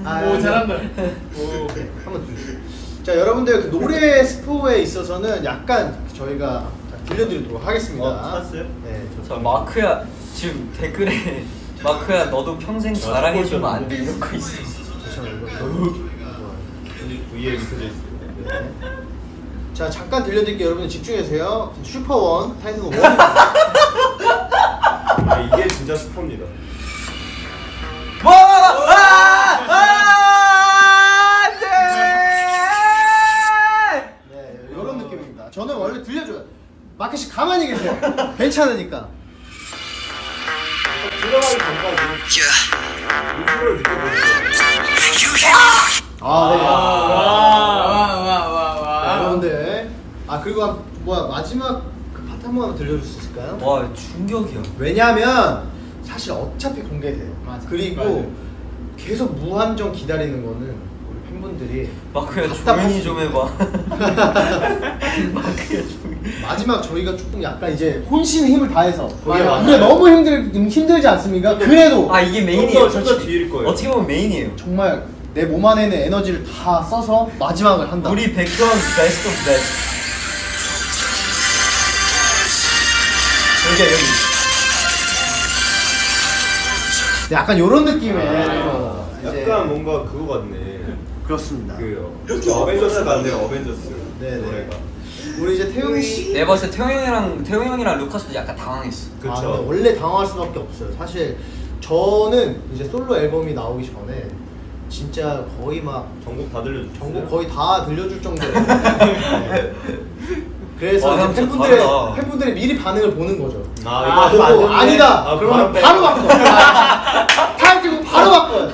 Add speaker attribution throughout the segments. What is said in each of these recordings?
Speaker 1: 오 잘한다.
Speaker 2: 오, 한번 주세요. 자, 여러분들 그 노래 스포에 있어서는 약간 저희가 들려드리도록 하겠습니다.
Speaker 3: 찾았어요?
Speaker 2: 네.
Speaker 4: 자 마크야 지금 댓글에 마크야 너도 평생 자랑해주면 안 돼 이런 거 있어.
Speaker 2: 잠시만요.
Speaker 3: 위에 밑에 있어요.
Speaker 2: 자, 잠깐 들려드릴게요. 여러분들 집중해주세요. 슈퍼원 타이틀은 1.
Speaker 3: 아, 이게 진짜 스포입니다.
Speaker 2: 네, 이런 느낌입니다. 저는 원래 들려줘요. 마켓이 가만히 계세요. 괜찮으니까.
Speaker 3: 들어가기 전까지 이거를 느껴보세요.
Speaker 1: 와와와와.
Speaker 2: 여러분들, 그리고 마지막 그 파트 한 번만 들려줄 수 있을까요?
Speaker 4: 와 충격이야.
Speaker 2: 왜냐면 사실 어차피 공개돼요.
Speaker 1: 맞아.
Speaker 2: 그리고
Speaker 1: 맞아요.
Speaker 2: 계속 무한정 기다리는 거는 우리 팬분들이
Speaker 4: 마크야
Speaker 2: 답답할
Speaker 4: 조용히
Speaker 2: 수
Speaker 4: 좀 해봐. 마크야 조용히.
Speaker 2: 마지막 저희가 조금 약간 이제 혼신의 힘을 다해서
Speaker 1: 맞아요.
Speaker 2: 우리가 너무 힘들지 않습니까? 그래도
Speaker 4: 아 이게 메인이에요.
Speaker 3: 좀더 뒤일 거예요.
Speaker 4: 어떻게 보면 메인이에요.
Speaker 2: 정말 내 몸 안에 있는 에너지를 다 써서 마지막을 한다.
Speaker 4: 우리 백그라운드 베스트 오브 베스트. 여기야 여기.
Speaker 2: 네, 약간 이런 느낌의 이제
Speaker 3: 약간 뭔가 그거 같네.
Speaker 2: 그렇습니다.
Speaker 3: 그 어벤져스 같네요. 어벤져스.
Speaker 2: 네네.
Speaker 3: 노래가.
Speaker 2: 우리 이제 태용 씨.
Speaker 4: 내가 봤을 때 태용 형이랑 루카스도 약간 당황했어.
Speaker 3: 그쵸.
Speaker 2: 근데 원래 당황할 수밖에 없어요. 사실 저는 이제 솔로 앨범이 나오기 전에 진짜 거의 막
Speaker 3: 전곡 다 들려주세요.
Speaker 2: 전곡 거의 다 들려줄 정도로. 네. 그래서
Speaker 4: 와,
Speaker 2: 이제
Speaker 4: 형 진짜 다르다.
Speaker 2: 팬분들이 미리 반응을 보는 거죠.
Speaker 3: 이거
Speaker 2: 보고
Speaker 3: 하면 안 되네.
Speaker 2: 아니다. 그러면 바로 바꿔. 타임 바로 바꿔요.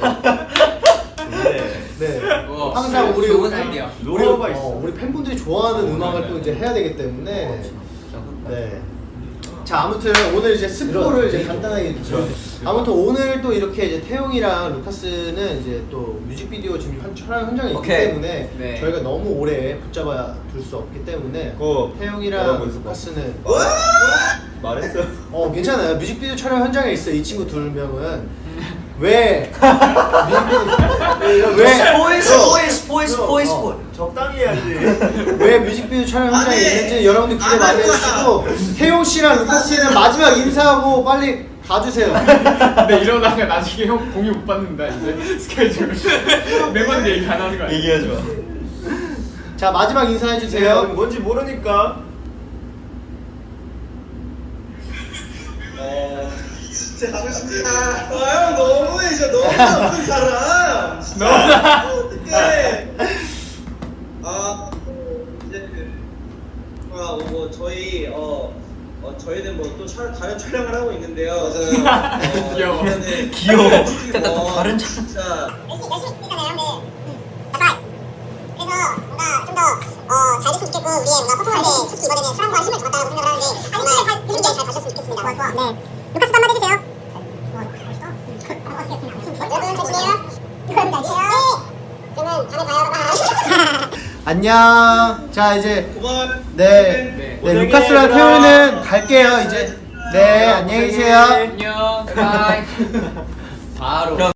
Speaker 2: 네.
Speaker 1: 우와,
Speaker 2: 항상 우리
Speaker 1: 좋은 아이디어.
Speaker 3: 노래가 있어.
Speaker 2: 우리 팬분들이 좋아하는 음악을 또 이제 해야 되기 때문에. 네. 자, 아무튼 오늘 이제 스포를 이제 간단하게 해주죠. 아무튼 오늘 또 이렇게 이제 태용이랑 루카스는 이제 또 뮤직비디오 지금 촬영 현장에 있기
Speaker 4: 오케이.
Speaker 2: 때문에
Speaker 1: 네.
Speaker 2: 저희가 너무 오래 붙잡아 둘 수 없기 때문에
Speaker 3: 그거
Speaker 2: 태용이랑
Speaker 3: 뭐라고 했어?
Speaker 2: 루카스는
Speaker 3: 말했어요.
Speaker 2: 괜찮아요. 뮤직비디오 촬영 현장에 있어. 이 친구 2명은 왜 뮤직비디오
Speaker 4: 스포일.
Speaker 3: 적당히 해야지.
Speaker 2: 왜 뮤직비디오 촬영 현장에 있는지 여러분들 기대 많이 해주시고 태용 씨랑 루카스 씨는 마지막 인사하고 빨리 가주세요.
Speaker 1: 근데 이러다가 나중에 형 공유 못 받는다 이제 스케줄. 매번 얘기 안 하는 거 아니야?
Speaker 4: 얘기하지 마.
Speaker 2: 자, 마지막 인사해 주세요.
Speaker 3: 뭔지 모르니까.
Speaker 5: 진짜 하고 싶다. 형 너무해, 진짜 너무 나쁜 사람. 어떡해. 이제 저희는 뭐 또 다른 촬영을 하고 있는데요. 맞아요.
Speaker 1: 귀여워.
Speaker 4: 귀여워. 근데 또 다른 촬영.
Speaker 5: 진짜
Speaker 6: 열심히 뛰잖아요. 그래서 뭔가 좀 더 잘 됐으면 좋겠고 우리의 뭔가 퍼포먼스에 솔직히 이번에는 사랑과 힘을 줬다고 생각을 하는데 정말 재밌게 잘 가셨으면 좋겠습니다. 네. 루카스도 한마디 해주세요. 여러분 잘 지내요? 여러분 잘 지내요? 네. 그러면 다음에 봐요.
Speaker 2: 안녕. 자, 이제
Speaker 5: 고마워요.
Speaker 2: 네,
Speaker 3: 고생해,
Speaker 2: 루카스랑
Speaker 3: 얘들아.
Speaker 2: 태용이는 갈게요. 이제 네, 안녕히 계세요.
Speaker 1: 안녕. 바이. 바로.